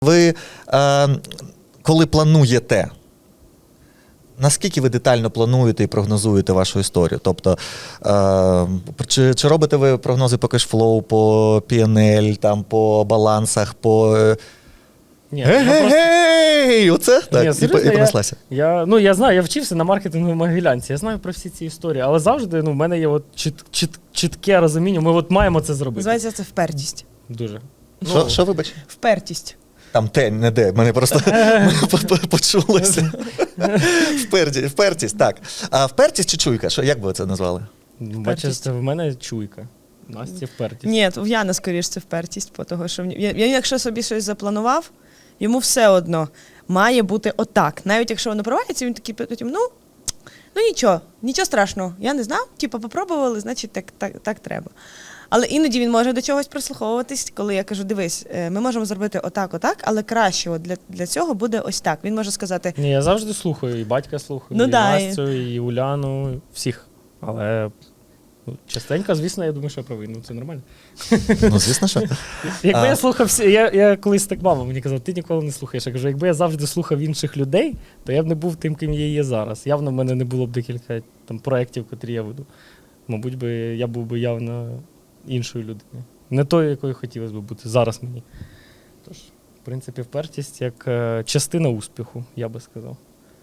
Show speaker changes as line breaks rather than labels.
Ви, коли плануєте, наскільки ви детально плануєте і прогнозуєте вашу історію? Тобто, чи робите ви прогнози по кешфлоу, по P&L, там, по балансах, по...
Ні,
Гей-гей-гей! Оце? Так,
Ні, серйозно,
і понеслася.
Я знаю, я вчився на маркетингу в Могилянці, я знаю про всі ці історії, але завжди в мене є от чітке розуміння, ми от маємо це зробити.
Називається це впертість.
Дуже.
Що вибач?
Впертість.
Там те, не де, мене просто почулося. Впертість, так. А впертість чи чуйка? Як би ви це назвали?
Бачите, в мене чуйка. Насті впертість.
Ні, в Яна, скоріш, це впертість, того, що він, якщо собі щось запланував, йому все одно має бути отак. Навіть якщо воно провалиться, він такий потім, ну нічого страшного. Я не знав, попробували, значить так треба. Але іноді він може до чогось прислуховуватись, коли я кажу, дивись, ми можемо зробити отак, але краще для цього буде ось так. Він може сказати...
Ні, я завжди слухаю, і батька слухаю, і Настю, і Уляну, всіх. Але частенько, звісно, я думаю, що я правий. Це нормально.
Ну, звісно, що.
Якби я слухав, я колись так мама мені казав, ти ніколи не слухаєш. Я кажу, якби я завжди слухав інших людей, то я б не був тим, ким я є зараз. Явно в мене не було б декілька проєктів, котрі я веду. Мабуть, я був би явно іншою людиною. Не тою, якою хотілося б бути зараз мені. Тож, в принципі, впертість як частина успіху, я би сказав.